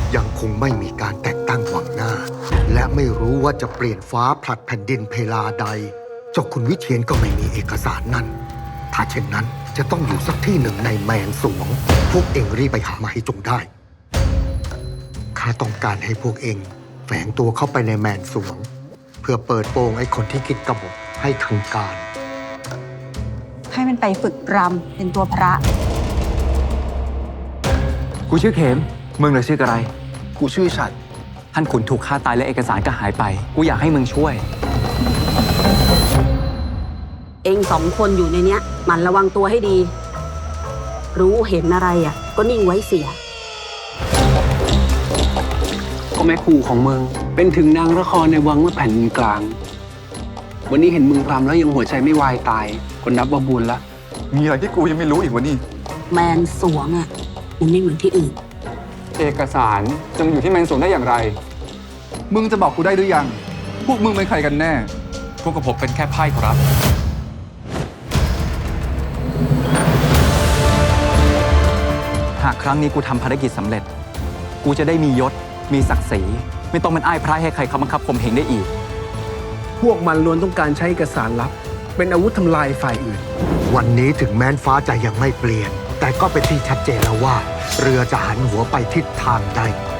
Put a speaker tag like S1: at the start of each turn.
S1: ยังคงไม่มีการแต่งตั้งหวังหน้า และไม่รู้ว่าจะเปลี่ยนฟ้าผลัดแผ่นดินเพลาใด เจ้าคุณวิเชียรก็ไม่มีเอกสารนั้น ถ้าเช่นนั้นจะต้องอยู่สักที่หนึ่งในแมนสวง พวกเองรีบไปหามาให้จงได้ข้าต้องการให้พวกเองแฝงตัวเข้าไปในแมนสวง เพื่อเปิดโปงไอ้คนที่คิดกบฏให้ทางการ
S2: ให้มันไปฝึกรำเป็นตัวพระ
S3: กูชื่อเข็มมึงเหรอชื่ออะไร
S4: กูชื่อฉัด
S3: ท่านขุนถูกฆ่าตายและเอกสารก็หายไปกูอยากให้มึงช่วย
S5: เองสองคนอยู่ในเนี้ยหมั่นระวังตัวให้ดี รู้เห็นอะไรก็นิ่งไว้เสีย
S4: ก็แม่ครูของมึงเป็นถึงนางละครในวังเมื่อแผ่นดินกลางวันนี้เห็นมึงรำแล้วยังหัวใจไม่วายตายคนนับว่าบุญละ
S6: มีอะไรที่กูยังไม่รู้อีกวะนี่
S5: แมนสวงมันไม่เหมือนที่อื่น
S6: เอกสารจะมาอยู่ที่แมนสวงได้อย่างไรมึงจะบอกกูได้หรือยังพวกมึงเป็นใครกันแน่
S3: พวกกับผมเป็นแค่ไพ่ครับหากครั้งนี้กูทำภารกิจสำเร็จกูจะได้มียศมีศักดิ์ศรีไม่ต้องเป็นอ้ายพระให้ใครเขาบังคับข่มเหงได้อีก
S4: พวกมันล้วนต้องการใช้เอกสารลับเป็นอาวุธทำลายฝ่ายอื่น
S1: วันนี้ถึงแม้นฟ้าจะยังไม่เปลี่ยนแต่ก็เป็นที่ชัดเจนแล้วว่าเรือจะหันหัวไปทิศทางใด